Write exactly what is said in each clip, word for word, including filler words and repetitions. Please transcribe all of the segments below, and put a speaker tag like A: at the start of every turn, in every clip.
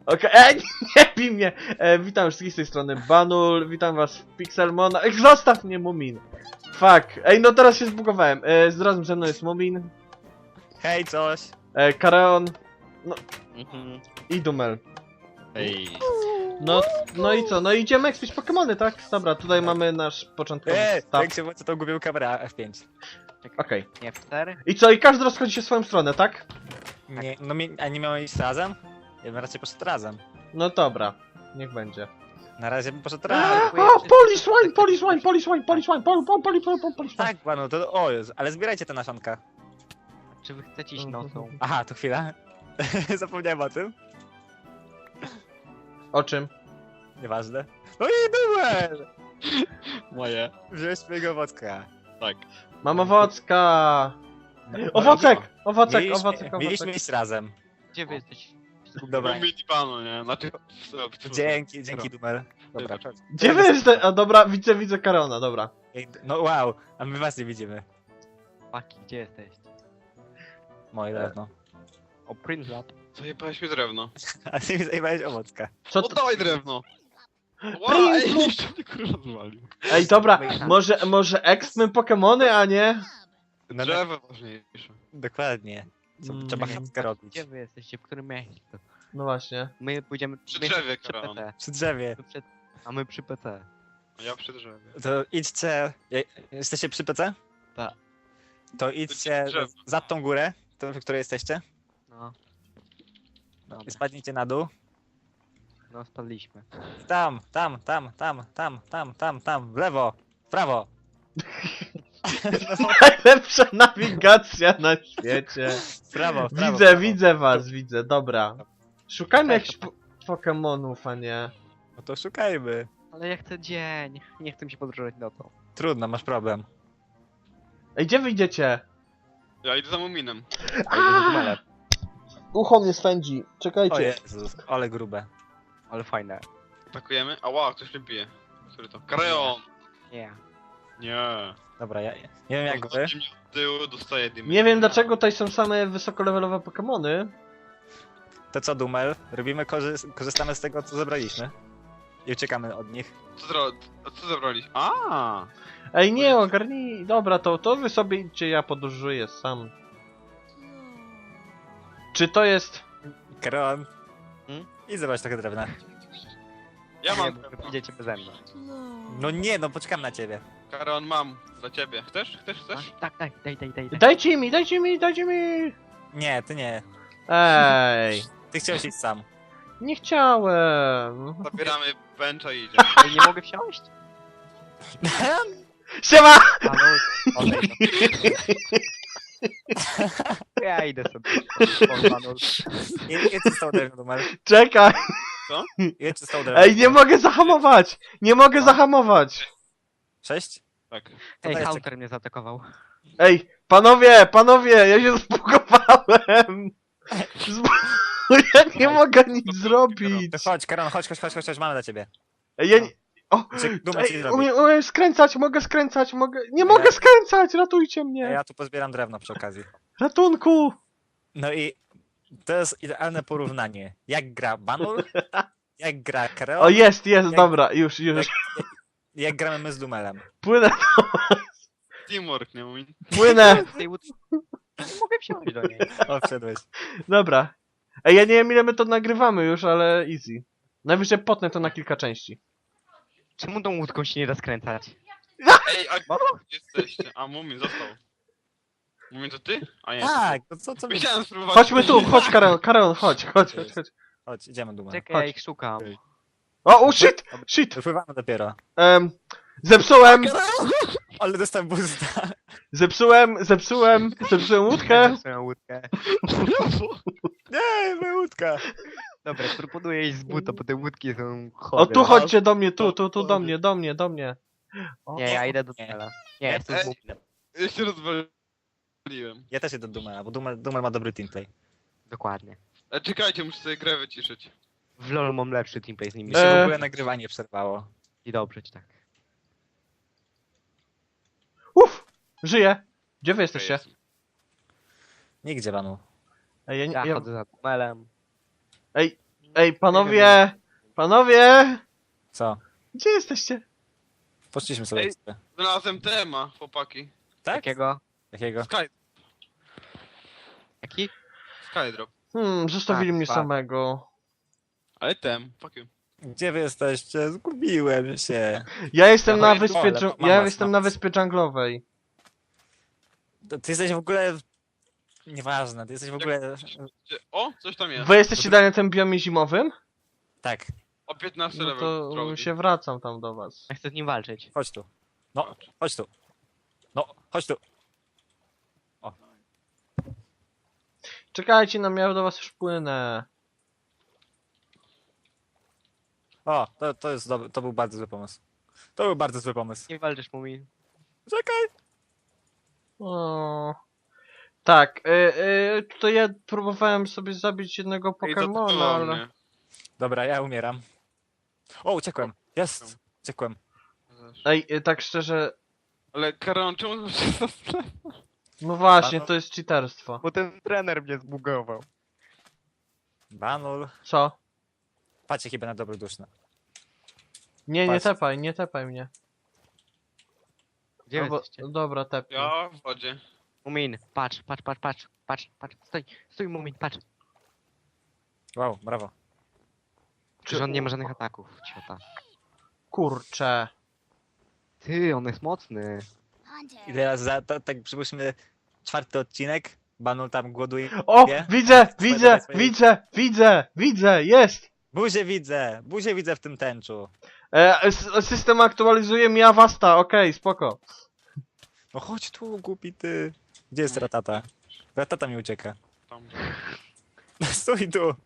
A: Okej, okay. Nie bij mnie! E, witam wszystkich z tej strony Banul, witam was w Pixelmona. Ej, zostaw mnie, Mumin! Fuck, ej, no teraz się zbugowałem. E, razem ze mną jest Mumin.
B: Hej, coś!
A: E, Kareon. No
B: Mhm.
A: i Dumel.
B: Hej.
A: No, no i co? No idziemy ekspić Pokemony, tak? Dobra, tutaj mamy nasz początkowy
B: Eee,
A: start.
B: jak się włączy tą gubią kamerę F pięć.
A: Okej. Okay.
C: Nie, w cztery?
A: I co? I każdy rozchodzi się w swoją stronę, tak?
B: Nie, no mi, a nie miałem iść razem? Ja bym raczej poszedł razem.
A: No dobra, niech będzie.
B: Na razie bym poszedł razem.
A: O, police wine, police wine, police wine, police wine, pol, pol, poli, pol, pol, police wine.
B: Tak, panu, to o Jezu, ale zbierajcie te nasionka.
C: Czy wy chcecie iść nocą?
B: Aha, to chwila. Zapomniałem o tym.
A: O czym?
B: Nieważne. No i numer! Moje. Wziąłeś swojego owocka. Tak.
A: Mam owocka! Owocek! Owocek, owocek, owocek.
B: Mieliśmy iść razem.
C: Gdzie wy jesteście?
B: Dobra.
D: Mówili panu, nie? Znaczy...
B: Dzięki, dzięki Dumel. Dobra.
A: Gdzie wy jesteście? A dobra, widzę, widzę Karona, dobra.
B: No wow, a my was nie widzimy.
C: Paki, gdzie jesteście?
B: Moje drewno.
C: O, Prince Lab.
D: Zajebałeś mi drewno.
B: A ty mi zajmowałeś owocka.
A: Co to?
D: Oddawaj drewno! Ła,
A: Prince
D: ej,
A: Lab.
D: jeszcze mnie kurwa zwalił.
A: Ej, dobra, może, może ekspmy Pokemony, a nie?
B: No,
D: Drzewo ważniejsze.
B: dokładnie. Co,
A: Mm.
B: trzeba chętkę robić.
C: Gdzie wy jesteście? W którym mieście?
A: No właśnie.
C: My pójdziemy
D: Przy
C: my
D: drzewie,
C: przy
D: Karol.
C: P C.
B: Przy drzewie.
C: My przy... A my przy P C.
D: A ja przy drzewie.
B: To idźcie... je- Jesteście przy P C?
C: Tak.
B: To idźcie
D: drzewo.
B: za tą górę, tą, w której jesteście.
C: No.
B: I
C: Dobra.
B: spadnijcie na dół.
C: No, spadliśmy.
B: Tam, tam, tam, tam, tam, tam, tam, tam, w lewo, w prawo.
A: Najlepsza nawigacja na świecie.
B: W prawo, w prawo.
A: Widzę,
B: w prawo.
A: widzę was, widzę, dobra. Szukajmy
B: Tak,
A: jakichś po Pokemonów, a nie.
B: No to szukajmy.
C: Ale ja chcę dzień. Nie chcę mi się podróżować nocą.
B: Trudno, masz problem.
A: Ej, gdzie wyjdziecie?
D: Ja idę za Muminem.
A: Aaa! Ucho mnie swędzi,
B: O
A: czekajcie.
B: Jezus, ale grube.
C: Ale fajne.
D: Atakujemy? Ała, ktoś mnie bije. Który to? Kareon!
C: Nie.
D: Nie.
B: Dobra, ja nie wiem jak wy.
D: Ostatni mnie od tyłu dostaje dymy.
A: Nie wiem dlaczego tutaj są same wysokolevelowe Pokemony.
B: To co, Dumel? Robimy, korzy korzystamy z tego, co zebraliśmy. I uciekamy od nich.
D: Co, zro... A co zabraliś? A.
A: Ej, nie, ogarnij. Dobra, to, to wy sobie idźcie, ja podróżuję sam. Czy to jest...
B: Karon.
C: Hmm?
B: I zobacz trochę drewna.
D: Ja
C: Nie,
D: mam
C: bo
D: drewno.
C: wy idziecie beze mnie.
B: No nie, no poczekam na ciebie.
D: Kareon mam. Dla ciebie. Chcesz? Chcesz? Chcesz?
C: A, tak, daj, daj, daj, daj. daj.
A: Dajcie mi, dajcie mi, dajcie mi!
B: Nie, ty nie.
A: Ej,
B: Ty chciałeś iść sam.
A: nie chciałem.
D: Zabieramy bencha i idziemy.
C: Ej, nie mogę wsiąść?
A: Siema!
C: Halo? Odejdź. Ja idę sobie. O, Banul.
B: Ile ile ci zostało drewna, Dumel?
A: Czekaj!
B: Ile ci zostało drewna?
A: Ej, nie mogę zahamować! Nie mogę zahamować!
B: Sześć?
D: Tak.
B: To
C: Ej,
B: dajcie.
C: Hunter mnie zaatakował.
A: Ej, panowie, panowie, ja się zbugowałem! Zbu... Ja nie mogę nic zrobić!
B: To chodź, Karon, chodź, chodź, chodź, chodź, chodź, mamy dla ciebie.
A: Ej, ja nie... O!
B: Czy Dumel ci
A: Ej,
B: zrobi?
A: umiem, umiem skręcać, mogę skręcać, mogę... Nie
B: Ja-
A: mogę skręcać, ratujcie mnie!
B: Ja tu pozbieram drewno przy okazji.
A: Ratunku!
B: No i to jest idealne porównanie. Jak gra Banul, jak gra Karol,
A: O, jest, jest,
B: Jak-
A: dobra, już, już.
B: jak gramy my z Dumelem.
A: Płynę,
D: Teamwork, nie Mumin?
A: płynę!
C: Tej łódki. Nie mogę wsiąść do niej.
B: O, wszedłeś.
A: Dobra. Ej, ja nie wiem ile my to nagrywamy już, ale easy. Najwyżej potnę to na kilka części.
C: Czemu tą łódką się nie da skręcać?
D: Ej, a gdzie jesteście? A Mumin został. Mumin to ty? A nie.
B: Tak, to co, co my...
D: Chciałem spróbować.
A: Chodźmy tu, chodź Karol, Karol, chodź, chodź, chodź, chodź.
B: Chodź, idziemy Dumel.
C: Czekaj, ja ich szukam.
A: O, o, shit, shit!
B: Wypływamy dopiero.
A: Um, zepsułem,
B: Ale dostałem boosta.
A: zepsułem, zepsułem, zepsułem łódkę.
C: Swoją łódkę.
B: Nie, moja łódka.
C: Dobra, proponuję iść z buta, bo te łódki są
A: O,
C: chore.
A: tu chodźcie do mnie, tu, tu, tu, do mnie, do mnie, do mnie.
B: O,
C: Nie, ja
B: o,
C: idę do
B: nie.
C: tunela. Nie, jestem z
D: Ej.
C: Muminem.
D: Ja się rozwaliłem.
B: Ja też idę do Dumela, bo Dumel, Dumel ma dobry teamplay.
C: Dokładnie.
D: E, czekajcie, muszę sobie grę wyciszyć.
C: W LoL mam lepszy teamplay z nimi.
B: Mi się
A: E.
B: w ogóle nagrywanie przerwało.
C: I dobrze ci tak.
A: Uff, żyję. Gdzie wy jesteście?
D: Jest.
B: Nigdzie, Banu.
A: Ej, ja, nie-
C: Ja
A: ja,
C: chodzę za tunelem.
A: ej, Ej, panowie! Panowie!
B: Co?
A: Gdzie jesteście?
B: Poszliśmy sobie.
D: Ej. Znalazłem tema, chłopaki.
B: Tak?
C: Jakiego?
B: Jakiego?
D: Sky,
C: Jaki?
D: Skydrop.
A: Hmm, zostawili
C: Tak,
A: mnie
C: tak.
A: samego.
D: Ale tem, fuck you.
B: Gdzie wy jesteście? Zgubiłem się.
A: Ja jestem
D: Ja
A: na
D: mam-
A: wyspie...
B: ale
A: dżu-
B: mam
A: Ja
B: was,
A: jestem
B: mam
A: na
B: was.
A: wyspie dżunglowej.
B: To Ty jesteś w ogóle... Nieważne, ty jesteś w ogóle...
D: Gdzie- O, coś tam jest.
A: Wy jesteście dalej na tym biomie zimowym?
B: Tak,
D: O piętnasty
A: No
D: level.
A: to
D: drogi.
A: się wracam tam do was.
C: Ja chcę z nim walczyć.
B: chodź tu. No, chodź tu. No, chodź tu.
A: Czekajcie na mnie, ja do was już płynę.
B: O, to, to jest dobry, to był bardzo zły pomysł. To był bardzo zły pomysł.
C: Nie walczysz, Mumin.
B: Czekaj!
A: O. Tak, y, y, tutaj ja próbowałem sobie zabić jednego
D: Ej, to
A: Pokemona,
D: było
A: ale...
D: mnie.
B: Dobra, ja umieram. O, uciekłem. Jest! Uciekłem.
A: Ej, y, tak szczerze...
D: Ale Karon, czemu to się zastanawia?
A: No właśnie,
B: Panu-
A: to jest cheaterstwo.
C: Bo ten trener mnie zbugował.
B: Banul.
A: Co?
B: Patrzcie chyba na dobroduszne.
A: Nie, nie
B: Patrz.
A: tepaj, nie tepaj mnie.
C: Gdzie
A: No bo-
C: jesteście?
A: Dobra, tepnij.
D: Ja w wodzie.
C: Mumin, patrz, patrz, patrz, patrz, patrz, patrz, stój, stój, Mumin, patrz.
B: Wow, brawo.
C: Przecież on nie ma żadnych ataków, ciota.
A: Kurczę.
C: Ty, on jest mocny.
B: I teraz za, to, tak przypuśćmy czwarty odcinek. Banul tam głoduje.
A: O!
B: Nie?
A: Widzę!
B: Swoje-
A: Widzę!
B: swoje-
A: Widzę! Widzę! Widzę! Jest!
B: Buzię widzę! Buzię widzę w tym tęczu.
A: E, s- system aktualizuje mi Avasta, okej, spoko.
B: No chodź tu, głupi ty. Gdzie jest Ratata? Ratata mi ucieka.
D: Tam.
B: Stój tu!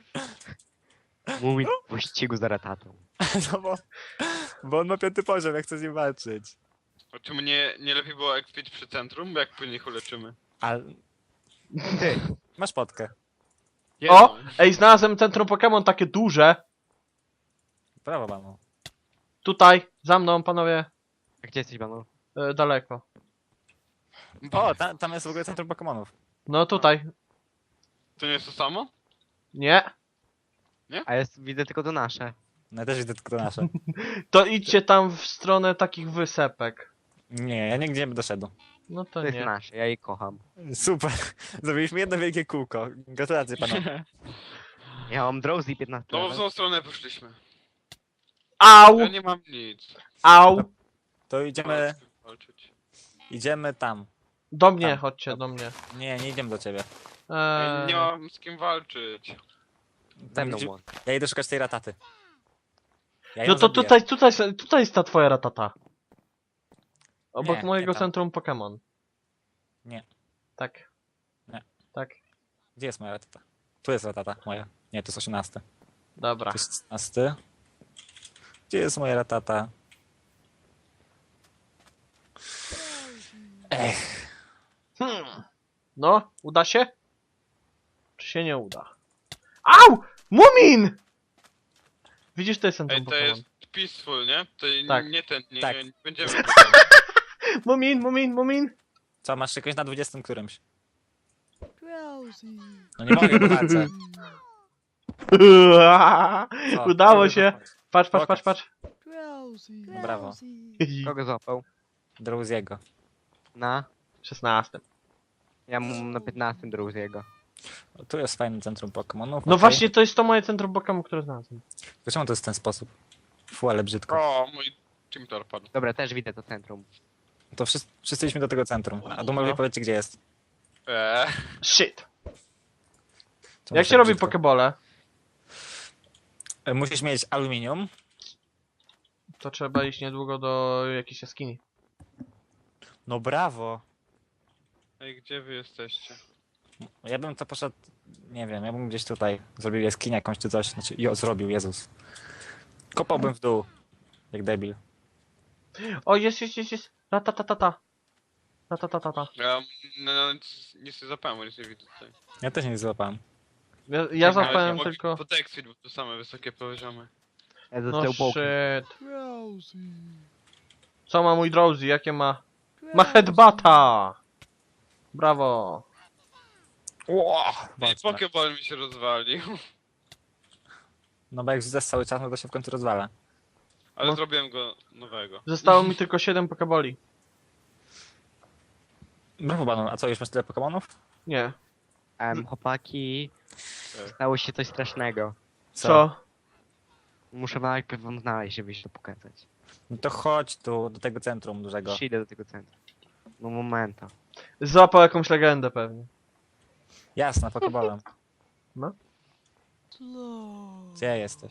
C: Mumin w pościgu za ratatą.
B: No bo, bo on ma piąty poziom, ja chcę z nim walczyć.
D: A czemu nie, nie lepiej było ekwić przy centrum? Bo jak później ich uleczymy?
B: Ale
C: Ty,
B: masz potkę.
A: O! Ej, znalazłem centrum Pokémon takie duże.
B: Brawo, Banul.
A: Tutaj, za mną, panowie.
C: a gdzie jesteś, Banu?
A: E, daleko.
B: O, ta, tam jest w ogóle centrum Pokemonów.
A: No tutaj.
D: To nie jest to samo?
A: Nie.
C: A jest, widzę tylko to nasze.
B: No ja też widzę tylko nasze.
A: To idźcie tam w stronę takich wysepek.
B: Nie, ja nigdzie nie doszedł.
A: No
C: To
A: to
C: jest
A: nie.
C: nasze, ja jej kocham.
B: Super. Zrobiliśmy jedno wielkie kółko. Gratulacje panowie.
C: Ja mam Drowsy piętnaście
D: No w
C: level.
D: złą stronę poszliśmy.
A: Au!
D: Ja nie mam nic.
A: Au!
B: To idziemy,
D: Walczyć.
B: idziemy tam.
A: Do mnie,
B: Tam.
A: chodźcie, do mnie.
B: Nie, nie idziemy do ciebie.
D: Ja
A: Eee,
D: nie mam z kim walczyć.
C: Ze mną
B: Idzie-
C: on.
B: Ja idę szukać tej rataty. Ja ją
A: no to
B: zabiję.
A: tutaj, tutaj, tutaj jest ta twoja ratata. Obok
B: Nie,
A: mojego
B: nie tam.
A: centrum Pokémon.
B: Nie.
A: Tak.
B: Nie.
A: Tak.
B: Gdzie jest moja ratata? Tu jest ratata moja. Nie, to jest osiemnasty.
A: Dobra.
B: To jest szesnasty. Gdzie jest moja ratata? Ech.
A: Hmm. No, uda się? Czy się nie uda? Au! Mumin! Widzisz, to jest centrum
D: Ej, to
A: Pokémon.
D: jest peaceful, nie? To
A: Tak.
D: nie ten, nie,
B: Tak.
D: nie będziemy.
A: Mumin, Mumin, Mumin!
B: Co, masz jakoś na dwudziestym którymś? No nie mogę, bo walczę. Co?
A: Udało
B: Dobra,
A: się.
B: chodź.
A: Patrz, patrz, patrz,
B: Pokaż.
A: patrz.
B: No brawo.
C: Kogo złapał?
B: Drowsiego.
C: Na?
A: szesnasty.
C: Ja mam na piętnastym Drowsiego.
B: O, tu jest fajne centrum Pokemonów.
A: No
B: okej.
A: właśnie, to jest to moje centrum Pokémon, które znalazłem.
B: To czemu to jest w ten sposób? Fu, ale brzydko.
D: O, mój Team padł.
C: Dobra, też widzę to centrum.
B: To wszyscy, wszyscy idźmy do tego centrum. A Dumowi
A: No.
B: powiedzcie, gdzie jest.
A: E,
D: Eee.
A: Shit.
B: Czemu
A: Jak
B: tak
A: się robi
B: brzydko?
A: pokebole?
B: E, Musisz mieć aluminium.
A: To trzeba iść niedługo do jakiejś jaskini.
B: No brawo.
D: Ej, gdzie wy jesteście?
B: Ja bym to poszedł, nie wiem, ja bym gdzieś tutaj zrobił jaskinię jakąś czy coś. Znaczy, jo, zrobił, Jezus. Kopałbym w dół. Jak debil.
A: O, jest, jest, jest, jest. Ratatatata. Ratatatata.
D: Ja no, no, nic, nic nie zapałem, nic nie widzę tutaj.
B: Ja też nie złapałem.
A: Ja, ja
C: Czekaj,
A: zapałem
D: mogę
A: tylko...
D: Po Texfit, bo to same wysokie poziomy.
C: Ja
A: No
C: zaczął połknąć.
A: shit. Co ma mój Drowsy? Jakie ma? Ma headbata! Brawo.
B: Ło!
D: Ej, Pokeball mi się rozwalił.
B: No bo jak rzucasz cały czas, no to się w końcu rozwala.
D: Ale
A: No.
D: zrobiłem go nowego.
A: Zostało mi tylko siedem pokeboli.
B: Brawo, Banon. A co, już masz tyle Pokemonów?
A: Nie.
C: Em, chłopaki,
D: Tak.
C: stało się coś strasznego.
A: Co?
C: Muszę najpierw wam znaleźć, żeby się to pokazać.
B: No to chodź tu, do tego centrum dużego.
C: Przyjdę do tego centrum. No momento.
A: Złapał jakąś legendę pewnie.
B: Jasne, Pokebolem.
A: No.
B: Gdzie jesteś?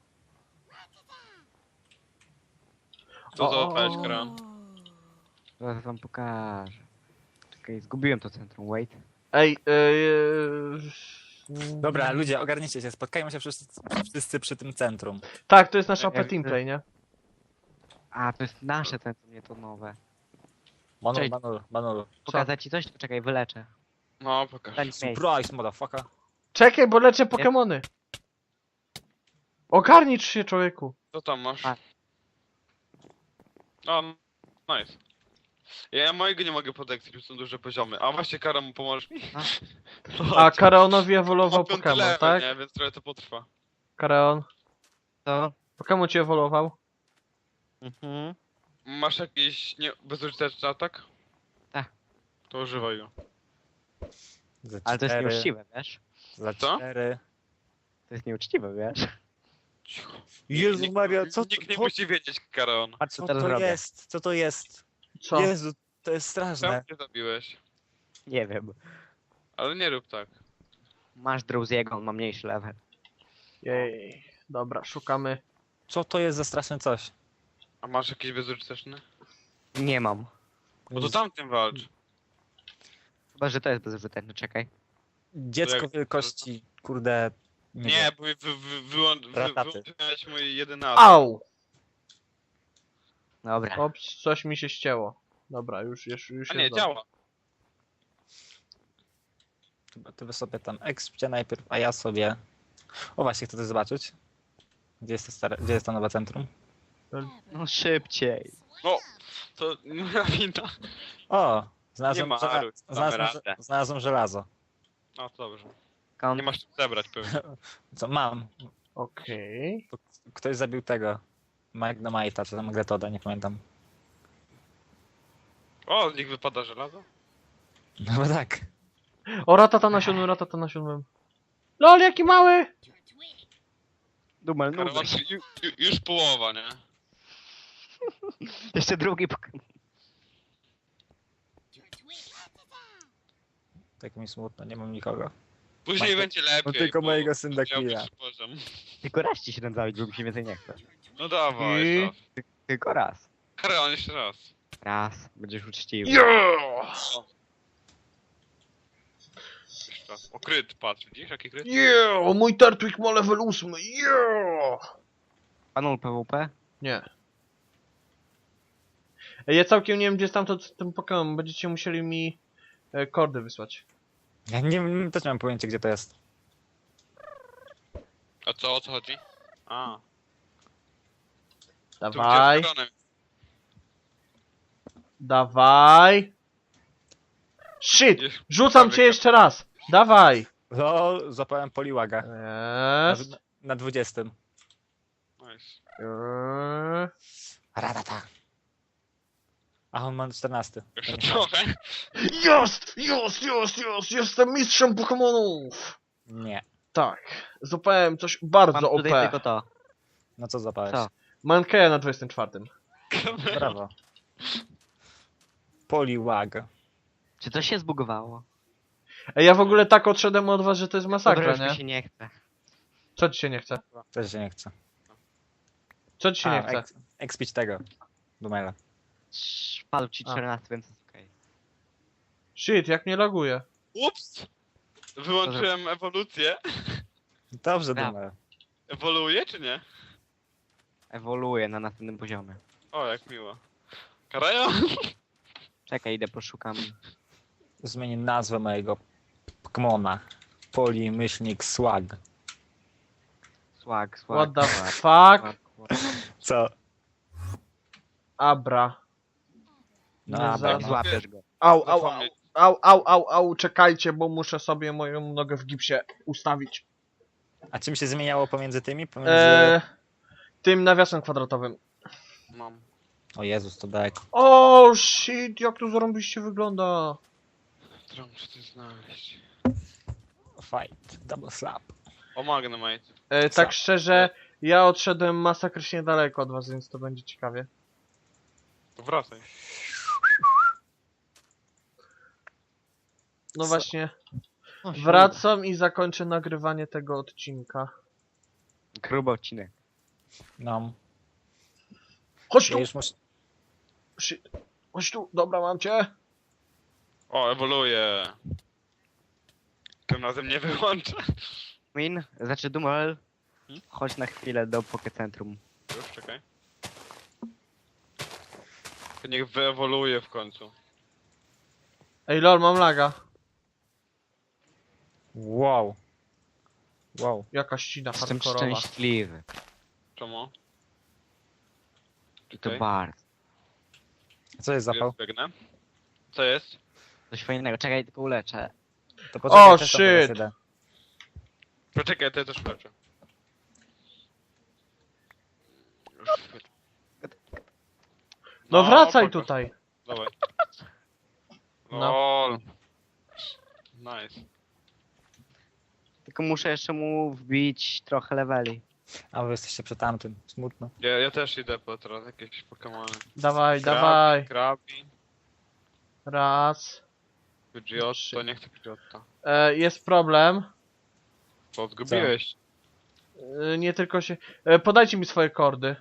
D: Co
A: O,
D: załapałeś,
A: o.
D: Karan?
C: Zaraz wam pokażę. Czekaj, zgubiłem to centrum, wait.
A: Ej, yy...
B: Dobra, ludzie, ogarnijcie się, spotkajmy się wszyscy, wszyscy przy tym centrum.
A: Tak, to jest nasz A P
C: Jak-
A: Teamplay, nie?
C: A, to jest nasze centrum, nie to nowe.
B: Manul,
C: Cześć.
B: Manul, Manul.
C: Pokazać ci coś? Czekaj, wyleczę.
D: No, pokaż.
C: Daj mi miejsce.
B: Surprise, motherfucker.
A: Czekaj, bo leczę Pokemony. Ogarnicz się, człowieku.
D: Co tam masz?
C: A.
D: O, nice. Ja, ja mojego nie mogę podeksać, bo są duże poziomy. A właśnie, Karan, pomożesz mi?
C: A.
A: A Karaonowi ewoluował
D: Mam piąty
A: Pokémon,
D: level,
A: tak?
D: nie? Więc trochę to potrwa.
A: Karaon.
C: Co?
A: Pokémon ci ewoluował?
C: Mhm.
D: Masz jakiś nie... bezużyteczny atak?
C: Tak.
D: To używaj go.
B: Za
C: Ale to jest
B: cztery,
C: nieuczciwe, wiesz?
B: Za
D: Co?
B: cztery.
C: To jest nieuczciwe, wiesz?
D: Cicho.
B: Jezu
D: Nikt-
B: Maria, co to,
D: Nikt nie
B: co,
D: musi wiedzieć, Karan.
C: Patrz,
B: co
C: co teraz
B: to
C: robię.
B: jest? Co to jest?
A: Co?
B: Jezu, to jest
D: Czemu
B: straszne.
D: cię zabiłeś?
C: Nie wiem.
D: Ale nie rób tak.
C: Masz Drowsiego, on ma mniejszy level.
A: Jej. Dobra, szukamy.
B: Co to jest za straszne coś?
D: A masz jakiś bezużyteczny?
C: Nie mam.
D: Bo to tamtym walcz.
C: Chyba, że to jest bezużyteczne, czekaj.
B: Dziecko
D: jak-
B: wielkości, kurde...
D: Nie,
B: Nie, wiem.
D: bo wy, wy, wy, wyłą- wy,
B: Rataty.
D: wyłączyłeś mój jedyny atak.
A: Au!
C: Dobra.
A: Ops, coś mi się ścięło. Dobra, już, już, już
D: A
A: jest
D: nie,
A: dobrze.
D: działa.
B: Chyba ty wy sobie tam ekspcie najpierw, a ja sobie... O właśnie, chcę to zobaczyć. Gdzie jest to, stare... Gdzie jest to nowe centrum?
C: No szybciej.
D: No, to nie moja wina.
B: O!
D: Nie
B: Znalazłem,
D: ma,
B: żela...
D: Aru, damy
B: znalazłem,
D: radę.
B: znalazłem żelazo.
D: No to dobrze.
C: Kon...
D: Nie masz czym zebrać pewnie.
B: Co mam?
A: Okej.
B: Ktoś zabił tego. Magnemite'a, czy tam Magnetoda, nie pamiętam.
D: O, z nich wypada żelazo?
B: No bo tak.
A: O, ratata na siódmym, ratata na siódmym. LOL, jaki mały!
C: Dumel,
D: Karol,
C: nudzę się.
D: ju, ju, już połowa, nie?
C: Jeszcze drugi Pokémon.
B: Tak mi smutno, nie mam nikogo.
D: Później
B: Masz-
D: będzie lepiej.
B: no tylko
D: bo
B: mojego synda
D: miał
B: Quilla.
D: wyższy poziom.
C: Tylko raz ci się ten zabić, bo mi się więcej nie chce.
D: No dawaj,
A: I-
D: jeszcze raz.
C: Tylko raz.
D: Karol, jeszcze raz.
C: Raz. Będziesz uczciwy.
A: Yeah!
D: Jeszcze raz. O, kryt, patrz, widzisz jaki kryt?
A: Yeah! Mój Turtwig ma level ósmy, yeah!
C: Panul PvP?
A: Nie. Ej, ja całkiem nie wiem, gdzie jest tamto ten Pokémon. Będziecie musieli mi e, kordy wysłać.
B: Ja nie, nie też nie mam pojęcia, gdzie to jest.
D: A co, o co chodzi? A, tu
A: Dawaj,
D: gdzie z Karonem.
A: dawaj. Shit!
D: Jest-
A: Rzucam cię jeszcze raz! Dawaj!
B: No, złapałem Poliwaga. Na,
A: Jest.
B: na dwudziestym.
D: Nice.
A: Eee.
B: Radata. A on ma czternasty.
D: Jeszcze trochę.
A: Jest! Jest! Jest! Jest! Jestem mistrzem Pokemonów!
B: Nie.
A: Tak. Złapałem coś bardzo
C: Mam
A: O
C: tutaj
A: P.
C: tylko to.
B: No co złapałeś?
C: Co?
A: Mankeja na dwudziestym czwartym.
B: Brawo. Poliwag.
C: Czy to się zbugowało?
A: Ej, ja w ogóle tak odszedłem od was, że to jest
C: Dobra,
A: masakra,
C: już mi
A: nie?
C: się nie chce.
A: Co ci się nie chce?
B: Też się nie chce.
A: Co ci się nie
B: A,
A: chce?
B: Ek, ekspić tego. Dumela.
C: Palu ci
A: A.
C: czternaście, więc jest okej.
A: Shit, jak mnie laguje.
D: Ups! Wyłączyłem ewolucję.
B: Dobrze,
C: Brawo.
B: Dumel.
D: Ewoluuje czy nie?
C: Ewoluuje na następnym poziomie.
D: O, jak miło. Karajo?
C: Czekaj, idę poszukam.
B: Zmienię nazwę mojego Pokemona. Poli myślnik Swag.
C: Swag, swag.
A: What the
C: swag,
A: fuck?
C: swag, swag.
B: Co?
A: Abra.
B: No,
A: Nie
B: a,
A: za-
C: Jak
B: no.
C: złapiesz go.
A: Au, au, au,
D: Zapomnieć.
A: au, au, au, au, czekajcie, bo muszę sobie moją nogę w gipsie ustawić.
B: A czym się zmieniało pomiędzy tymi? Pomiędzy...
A: E, tym nawiasem kwadratowym.
D: Mam.
B: O Jezus, to daleko.
A: O shit, jak to zarąbiście wygląda.
D: Którą muszę coś znaleźć.
B: Fight, double slap.
D: O, Magnemite.
A: E,
B: Co?
A: tak szczerze, ja odszedłem masakrycznie daleko od was, więc to będzie ciekawie.
D: To wracaj.
A: No
B: Co?
A: właśnie,
C: O, się
A: wracam i zakończę nagrywanie tego odcinka.
C: uda. Gruby odcinek.
B: No.
A: Chodź
B: Ja
A: tu!
B: już muszę...
A: Shit. Chodź tu, dobra, mam cię.
D: O, ewoluuje. Tym razem nie wyłączę.
C: Min, znaczy Dumel,
D: Hmm?
C: chodź na chwilę do Pokecentrum.
D: Już, czekaj. To niech wyewoluuje w końcu.
A: Ej lol, mam laga.
B: Wow. Wow.
A: Jaka ścina
C: Jestem
A: hardkorowa.
C: szczęśliwy.
D: Czemu?
C: I to
D: Okej.
C: bardzo.
B: A co jest zapał?
D: Jest, biegnę. Co jest?
C: Coś fajnego. Czekaj, tylko uleczę.
B: To
A: O,
B: poczekaj, też tam
A: shit.
B: teraz idę.
D: Poczekaj, to ja też leczę. Już chwilę.
A: No wracaj
D: pokaż.
A: tutaj.
D: Dawaj.
A: No.
D: Lol. Nice.
C: Tylko muszę jeszcze mu wbić trochę leveli.
B: A wy jesteście przy tamtym. Smutno.
D: Ja, ja też idę po teraz jakieś Pokemony.
A: Dawaj,
D: Krabi,
A: dawaj.
D: Krabi,
A: Raz.
D: Pidgeotto, nie chcę Pidgeotta.
A: E, jest problem.
D: Bo zgubiłeś.
A: E, nie tylko się... E, podajcie mi swoje kordy.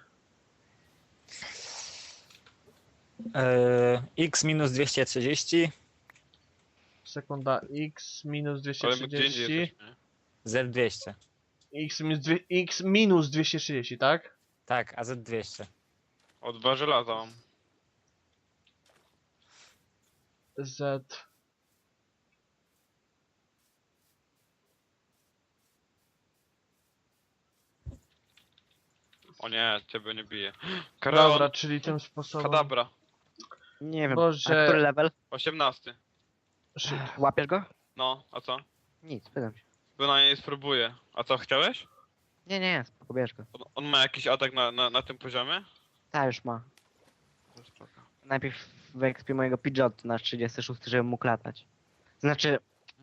B: Yy, X minus dwieście trzydzieści,
A: Sekunda. X minus dwieście
D: Ale my gdzie indziej
A: trzydzieści.
D: jesteśmy. nie?
B: Z dwieście.
A: X minus, dwie, X minus dwieście trzydzieści, tak?
B: Tak, a Z dwieście.
D: O, dwa żelaza mam.
A: Z...
D: O nie, ciebie nie bije. Karol,
A: Dobra, czyli tym sposobem...
D: kadabra.
C: Nie wiem,
A: Boże.
C: a który level?
D: osiemnasty.
A: Shit.
C: Łapiesz go?
D: No, a co?
C: Nic, pytam się.
D: Bynajmniej spróbuję. A co, chciałeś?
C: Nie, nie, spoko, bierz go.
D: On, on ma jakiś atak na, na, na tym poziomie?
C: Ta już ma.
D: To spoko.
C: Najpierw wyekspię mojego Pidgeot na trzydziesty szósty, żeby mógł latać. Znaczy,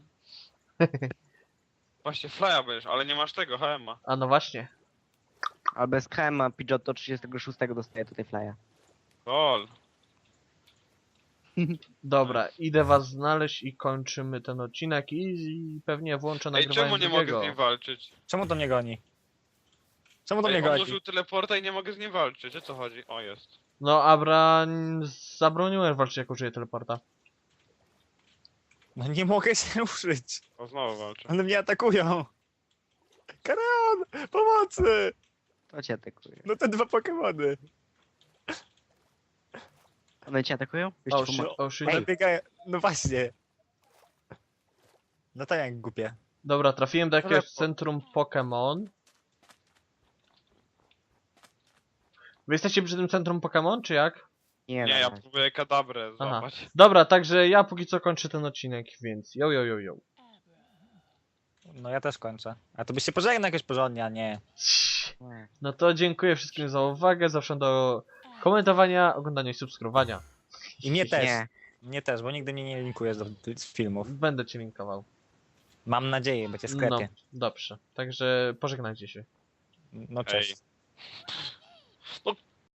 D: Właśnie flya będziesz, ale nie masz tego, H M a.
A: A no właśnie.
C: albo bez K M a Pidgeot do trzydziestego szóstego dostaje tutaj flya.
D: Lol.
A: Dobra, idę was znaleźć i kończymy ten odcinek i, i pewnie włączę
D: Ej,
A: nagrywanie
D: czemu nie mogę
A: drugiego.
D: z nim walczyć?
B: Czemu to mnie goni? Czemu to mnie
D: Ej, on
B: goni?
D: użył teleporta i nie mogę z nim walczyć, o co chodzi? O, jest.
A: No, Abra... zabroniłem walczyć jak użyję teleporta.
B: No nie mogę się ruszyć.
D: O, znowu walczę.
B: One mnie atakują. Karan! Pomocy!
C: To cię atakuje.
B: No te dwa Pokemony.
C: One cię atakują? Już
A: O
C: ci
A: shit,
C: pomogę.
A: o shit.
B: One biegają... No właśnie. No tak jak głupie.
A: Dobra, trafiłem do jakiegoś
C: Teleport.
A: centrum Pokémon. Wy jesteście przy tym centrum Pokémon, czy jak?
C: Nie,
D: Nie,
C: no,
D: ja
C: no.
D: próbuję kadabrę
A: Aha.
D: złapać.
A: Dobra, także ja póki co kończę ten odcinek, więc yo yo yo yo.
B: No ja też kończę. A to byś się pożegnał jakoś porządnie, a nie.
C: Nie.
A: No to dziękuję wszystkim za uwagę, zawsze do komentowania, oglądania i subskrybowania.
B: I mnie też.
C: Nie.
B: Mnie też, bo nigdy mnie nie linkujesz do z filmów.
A: Będę cię linkował.
B: Mam nadzieję, będzie w
A: No,
B: sklepie.
A: dobrze. Także pożegnajcie się.
B: No cześć.
D: Ej.